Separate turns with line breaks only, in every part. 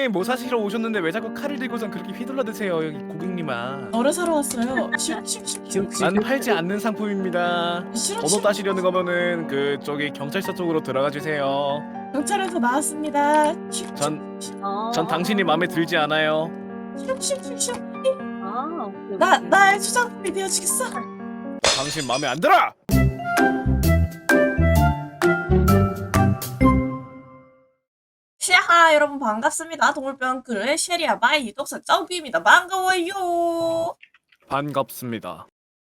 고객님 뭐 사시러 오셨는데 왜 자꾸 칼을 들고선 그렇게 휘둘러 드세요 여기 고객님아.
너를 사러 왔어요.
난 팔지 않는 상품입니다.
싫어
번호 따시려는 거면은 저기 경찰서 쪽으로 들어가 주세요.
경찰에서 나왔습니다.
전 당신이 마음에 들지 않아요.
싫어.
오케이,
나
오케이.
나의 수장님이 되어주겠어.
당신 마음에 안 들어!
시하 여러분 반갑습니다. 동물병크의 쉐리아 바이 독서 짱비입니다. 반가워요.
반갑습니다.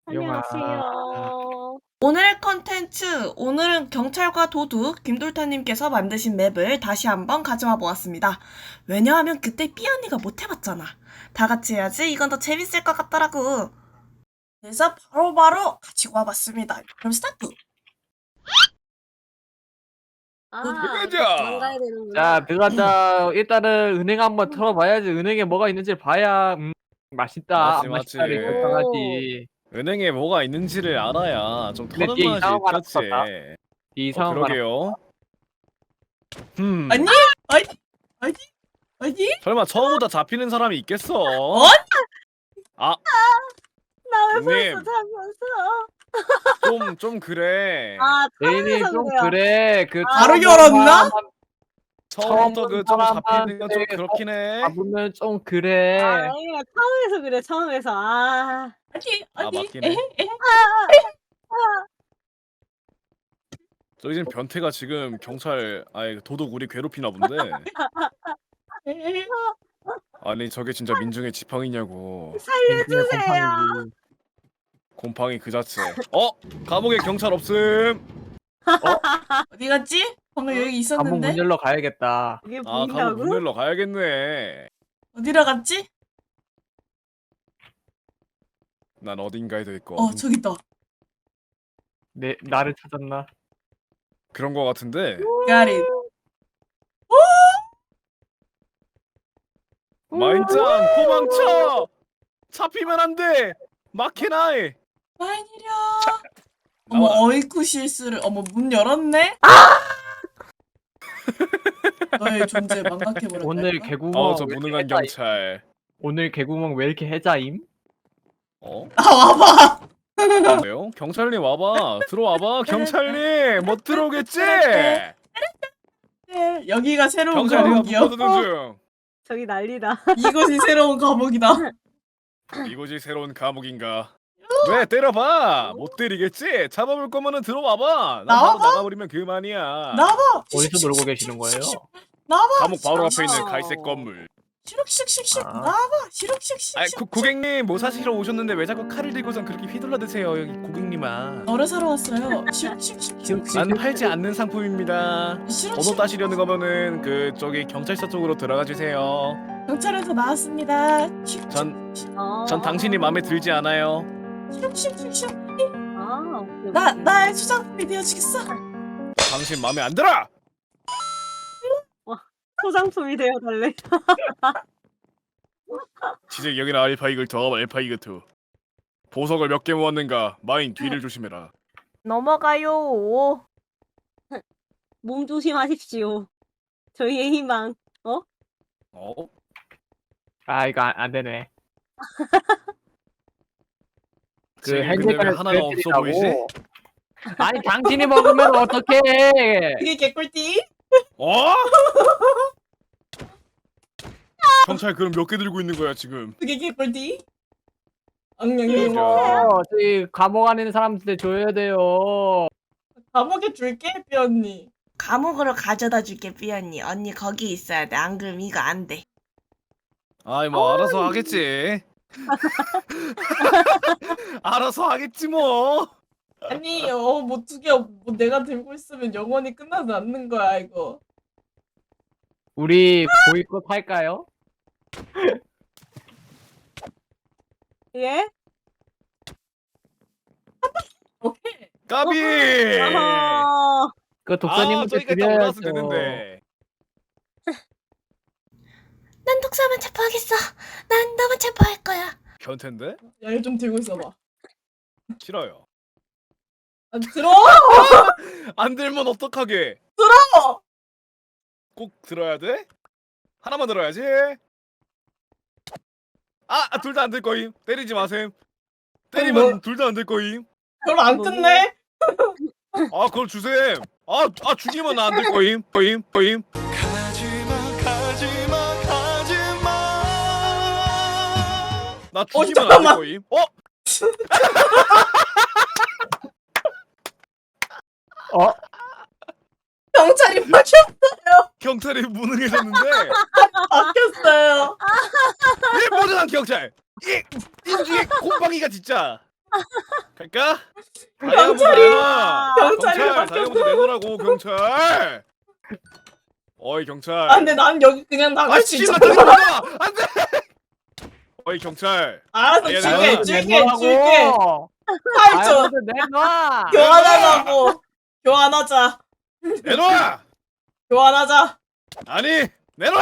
안녕하세요.
오늘의 컨텐츠, 오늘은 경찰과 도둑 김돌타님께서 만드신 맵을 다시 한번 가져와 보았습니다. 왜냐하면 그때 삐언니가 못 해봤잖아. 다 같이 해야지 이건 더 재밌을 것 같더라고. 그래서 바로바로 가지고 와봤습니다. 그럼 스타트!
들어가자.
도망가야 되는구나.
자, 들어가자. 일단은 은행 한번 털어봐야지. 은행에 뭐가 있는지 봐야 맛있다. 안
맞지.
맛있다를 결정하지.
은행에 뭐가 있는지를 알아야 좀
근데
터는
뒤에
맛이
이상한 거 하나
그렇지.
떴다. 이상한 거 하나.
그러게요.
아니? 아니?
설마 처음부터 잡히는 사람이 있겠어? 아,
나왜
형님.
벌써 잡혔어?
좀 그래.
내일이
타운에서
좀
그래요.
그래. 그
바로
처음
열었나?
사람
처음부터
처음
좀 잡히는 건 좀
사람한테
그렇긴 해.
잡으면 좀 그래.
아니야, 타운에서 그래, 처음에서.
맞긴 해. 저 이젠 변태가 지금 경찰 도둑 우리 괴롭히나 본데. 아니 저게 진짜 민중의 지팡이냐고.
살려주세요.
곰팡이 그 자체. 감옥에 경찰 없음.
어디 갔지? 방금 여기
한번
있었는데?
문 열러 가야겠다.
이게
감옥
보인다고?
문 열러 가야겠네.
어디로 갔지?
난 어딘가에 더 있고.
저기 있다.
나를 찾았나?
그런 거 같은데.
Got it.
마인짱 도망쳐. 잡히면 안 돼. 마케나이.
마이니려. 어머 어이쿠 실수를. 어머 문 열었네? 너의 존재 망각해버렸다.
오늘 개구멍
저
왜 이렇게
무능한
해자임?
경찰.
오늘 개구멍 왜 이렇게 해자임?
와봐.
왜요? 경찰님 와봐. 들어와봐. 경찰님 못 들어오겠지?
여기가 새로운
경찰이가
감옥이요.
묶어두는 중.
저기 난리다.
이곳이 새로운 감옥이다.
이곳이 새로운 감옥인가? 왜 때려봐? 못 때리겠지? 잡아볼 거면은 들어와봐. 난
나와봐.
바로 나가버리면 그만이야.
나와봐.
어디서 놀고 계시는 거예요?
나와봐.
감옥 바로 앞에 있는 갈색 건물.
시룩슉슉슉.
아.
나와봐. 시룩슉슉슉.
고객님 뭐 사시러 오셨는데 왜 자꾸 칼을 들고선 그렇게 휘둘러 드세요 여기 고객님아.
너를 사러 왔어요. 시룩슉슉슉.
난 팔지 않는 상품입니다. 번호
시룩슉.
따시려는 거면은 저기 경찰서 쪽으로 들어가 주세요.
경찰에서 나왔습니다.
전 당신이 마음에 들지 않아요.
시룩슉슉슉.
오케이,
나
오케이.
나의 수장님이 되어주겠어.
당신 마음에 안 들어!
소장품이 되어달래.
지적 여기는 알파이글 더하면 알파이글 2. 보석을 몇 개 모았는가? 마인 뒤를 조심해라.
넘어가요.
몸 조심하십시오. 저희의 희망.
이거 안 되네. 그
지금 근데
핸드폰에
왜 하나가 없어 보이지?
아니 당신이 먹으면 어떡해?
이게 개꿀띠?
경찰 그럼 몇 개 들고 있는 거야 지금?
그게 개꿀띠? 엉냥냥.
이거 저희 감옥 안에 있는 사람한테 줘야 돼요.
감옥에 줄게, 삐언니. 감옥으로 가져다 줄게, 삐언니. 언니 거기 있어야 돼. 안 그럼 이거 안 돼.
뭐 알아서 하겠지. 알아서 하겠지 뭐.
아니, 뭐 두 개, 뭐 내가 들고 있으면 영원히 끝나지 않는 거야, 이거.
우리 보이콧 할까요?
예?
오케이.
까비.
어허.
그 독사님한테
저기까지 딱 올라왔으면
드려야죠.
되는데.
난 독사만 체포하겠어. 난 너만 체포할 거야.
변태인데?
야, 이거 좀 들고 있어봐.
싫어요.
들어!
안 들면 어떡하게?
들어!
꼭 들어야 돼? 하나만 들어야지. 둘 다 안 될 거임. 때리지 마셈. 때리면
뭐?
둘 다 안 될 거임.
별로 안
너무-
뜯네.
그걸 주셈. 죽이면 안 될 거임. 거임. 나 죽이면 안 될
잠깐만.
거임.
경찰이
경찰이 무능해졌는데.
바뀌었어요.
이 모든 경찰. 이 인중에 곰팡이가 진짜. 갈까?
경찰이
다이아몬드 내놓으라고 경찰. 어이 경찰.
근데 난 여기 그냥 나갈 수 있어.
씨발 안돼. 어이 경찰.
알았어,
다이아몬드
줄게. 팔 줘.
내놔.
교환하자고. 교환하자.
내놔.
교환하자.
아니 내놔.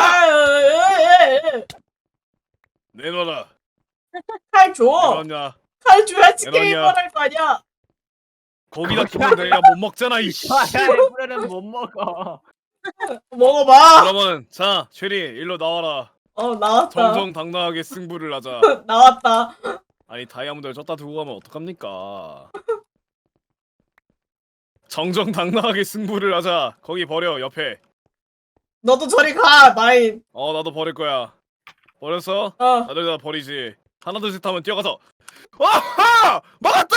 내놔라.
칼 줘.
내놨냐?
칼 줘야지
내놓냐?
게임을 할 거 아니야.
거기다 두면 내가 못 먹잖아 이씨.
에브레는 못 먹어.
먹어봐.
그러면 자 쉐리 일로 나와라.
나왔다.
정정당당하게 승부를 하자.
나왔다.
아니 다이아몬드를 쪘다 두고 가면 어떡합니까? 정정당당하게 승부를 하자. 거기 버려 옆에.
너도 저리 가, 마인.
나도 버릴 거야. 버렸어?
어.
다들 다 버리지. 하나 둘 셋 하면 뛰어가서. 와하! 막았다!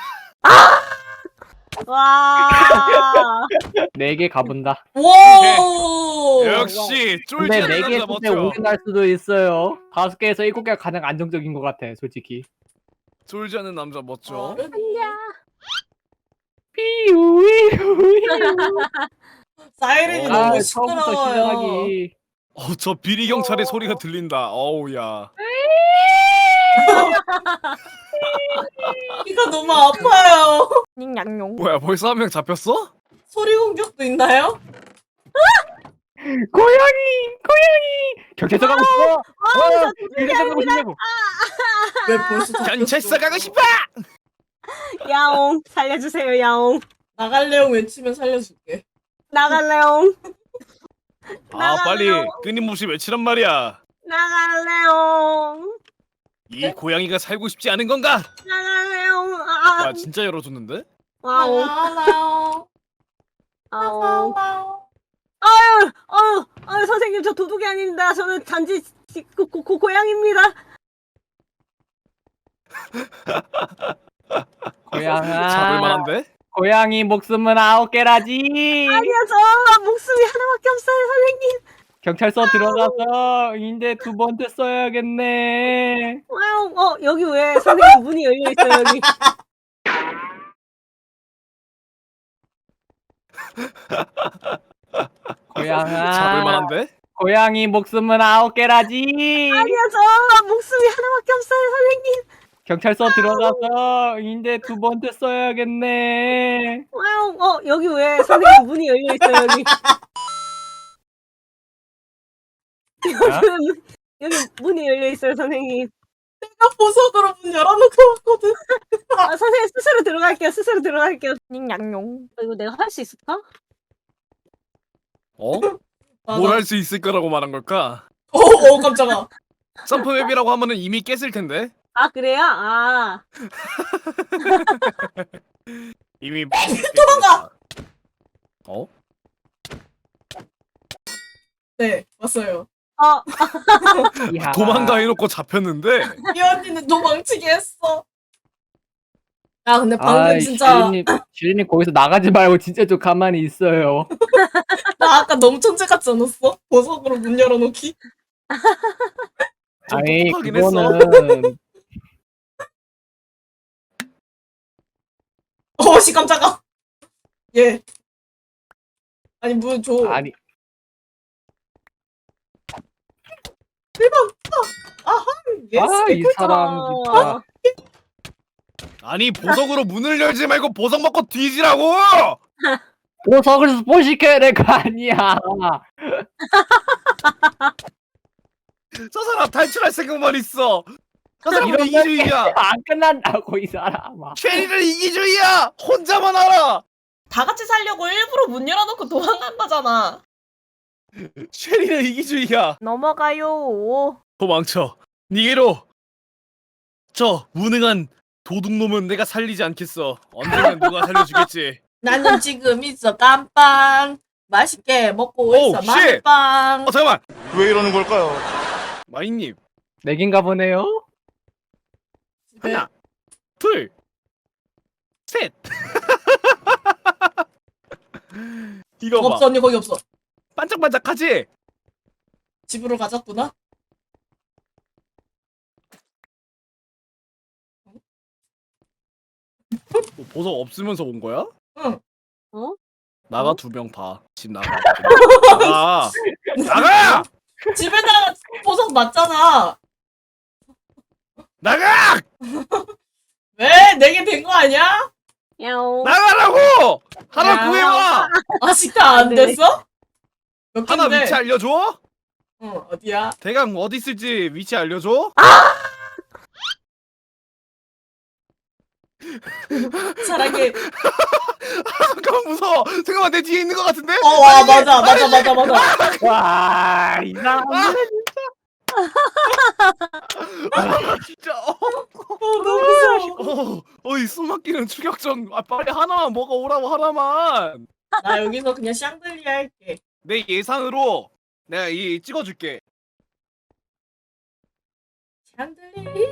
와.
4개 가본다.
오.
역시
근데
쫄지
4개
않는 남자
끝에
멋져.
5개 날 수도 있어요. 5개에서 7개가 가장 안정적인 것 같아, 솔직히.
쫄지 않는 남자 멋져.
사이렌이
어.
너무
처음부터
시끄러워요.
시작하기.
저 비리 경찰의 소리가 들린다. 어우야.
귀가 너무 아파요.
닝냥용.
뭐야 벌써 한 명 잡혔어?
소리 공격도 있나요?
고양이! 경찰서 가고 싶어! 경찰서 가고 싶냐고!
왜 벌써
경찰서 가고 싶어!
야옹. 살려주세요, 야옹.
나갈래요 외치면 살려줄게.
나갈래옹.
빨리 끊임없이 외치란 말이야.
나갈래옹.
이 고양이가 살고 싶지 않은 건가?
나갈래옹.
진짜 열어줬는데?
와옹.
나가요.
아옹.
나가요.
아유, 선생님, 저 도둑이 아닙니다. 저는 단지 고양입니다.
고양아.
잡을 만한데?
고양이 목숨은 9개라지!
아니요, 저 목숨이 하나밖에 없어요, 선생님.
경찰서 들어가서 인데 2번째 써야겠네.
와옹. 여기 왜 선생님 문이 열려있어요, 여기.
고양아.
잡을 만한데?
고양이 목숨은 9개라지!
아니요, 저 목숨이 하나밖에 없어요, 선생님.
경찰서 들어가서 인데 2번째 써야겠네.
와옹. 여기 왜 선생님 문이 열려있어요, 여기. 여기 문이 열려있어요, 선생님.
내가 보석으로 문 열어놓고 왔거든.
선생님 스스로 들어갈게요. 닝냥용. 이거 내가 할 수 있을까?
뭘 할 수 있을 거라고 말한 걸까?
깜짝아.
점프맵이라고 하면은 이미 깼을 텐데?
아, 그래요?
이미
도망가!
어?
네, 왔어요.
이하.
도망가 해놓고 잡혔는데?
이 언니는 도망치게 했어. 야, 근데 방금 진짜
주인님 거기서 나가지 말고 진짜 좀 가만히 있어요.
나 아까 너무 천재 같지 않았어? 보석으로 문 열어놓기?
좀
아니
똑똑하긴
그거는
씨 깜짝아. 예. 아니 문 줘.
아니
예스.
이 사람 진짜
아니 보석으로 문을 열지 말고 보석 먹고 뒤지라고!
보석을 스포시켜야 될 거 아니야.
저 사람 탈출할 생각만 있어. 저 사람은
이런
이기주의야.
안 끝난다고 이 사람아.
쉐리는 이기주의야. 혼자만 알아.
다 같이 살려고 일부러 문 열어놓고 도망간 거잖아.
쉐리는 이기주의야.
넘어가요.
도망쳐. 니게로. 저 무능한 도둑놈은 내가 살리지 않겠어. 언젠간 누가 살려주겠지.
나는 지금 있어 깜빵 맛있게 먹고
오우,
있어
쉣!
마늘빵.
잠깐만.
왜 이러는 걸까요?
마이님.
내긴가 보네요.
하나, 둘, 셋. 이거 봐.
없어 언니 거기 없어.
반짝반짝하지?
집으로 가졌구나.
보석 없으면서 온 거야?
응.
어?
나가 2명 봐. 집 나가. 나가. 나가!
집에다가 보석 맞잖아.
나가!
왜? 내게 된 거 아니야?
야옹.
나가라고! 하나
야.
구해와!
아직 다 안
네.
됐어? 몇
하나
갠데?
위치 알려줘?
응 어디야?
대강 어디 있을지 위치 알려줘?
사랑해.
잠깐만 무서워. 잠깐만 내 뒤에 있는 것 같은데?
와 맞아.
와, 이 사람.
진짜.
너무 무서워.
이 숨막히는 추격전. 빨리 하나만 먹어오라고 하나만.
나 여기서 그냥 샹들리 할게.
내 예상으로 내가 이 찍어줄게.
샹들리.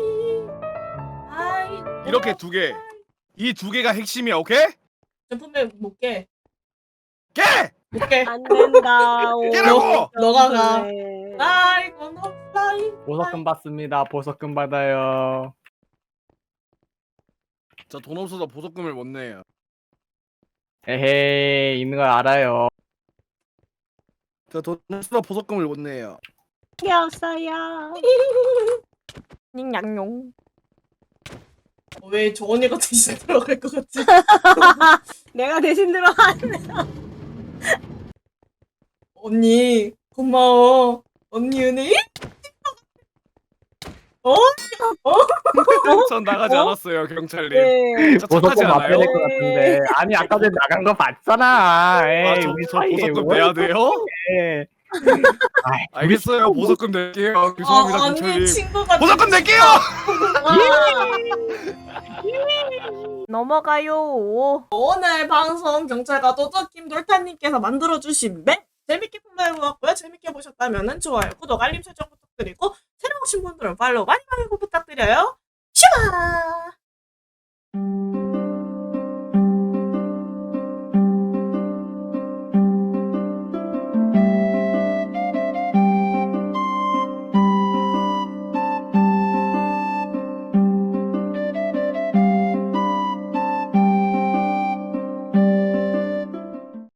아이.
이렇게 2개. 이 2개가 핵심이야. 오케이?
제품에 못 깨.
깨!
못 깨.
안 된다. 오.
깨라고!
너가 가.
네.
I gonna fly.
보석금 받습니다. 보석금 받아요.
저 돈 없어서 보석금을 못 내요.
에헤이, 있는 걸 알아요.
저 돈 없어서 보석금을 못 내요.
게 없어요. 닝냥용.
왜 저 언니가 대신 들어갈 것 같지?
내가 대신 들어갔네.
언니 고마워. 언니 은혜.
전 나가지
어?
않았어요, 경찰님.
네.
저 착하지
보석금 받아야
않아요?
될 것 같은데. 아니, 아까 전에 나간 거 봤잖아. 에이,
저,
우리
저
사이에
보석금
뭘
내야 돼요?
그래. 아이,
알겠어요, 보석금 낼게요. 죄송합니다,
언니
경찰님.
친구가
보석금 낼게요!
넘어가요.
오늘 방송 경찰과 도둑 김돌타님께서 만들어주신 맵 재밌게 플레이해보았고요. 재밌게 보셨다면 좋아요, 구독, 알림 설정 부탁드리고 새로 오신 분들은 팔로우 많이 부탁드려요. 슈아!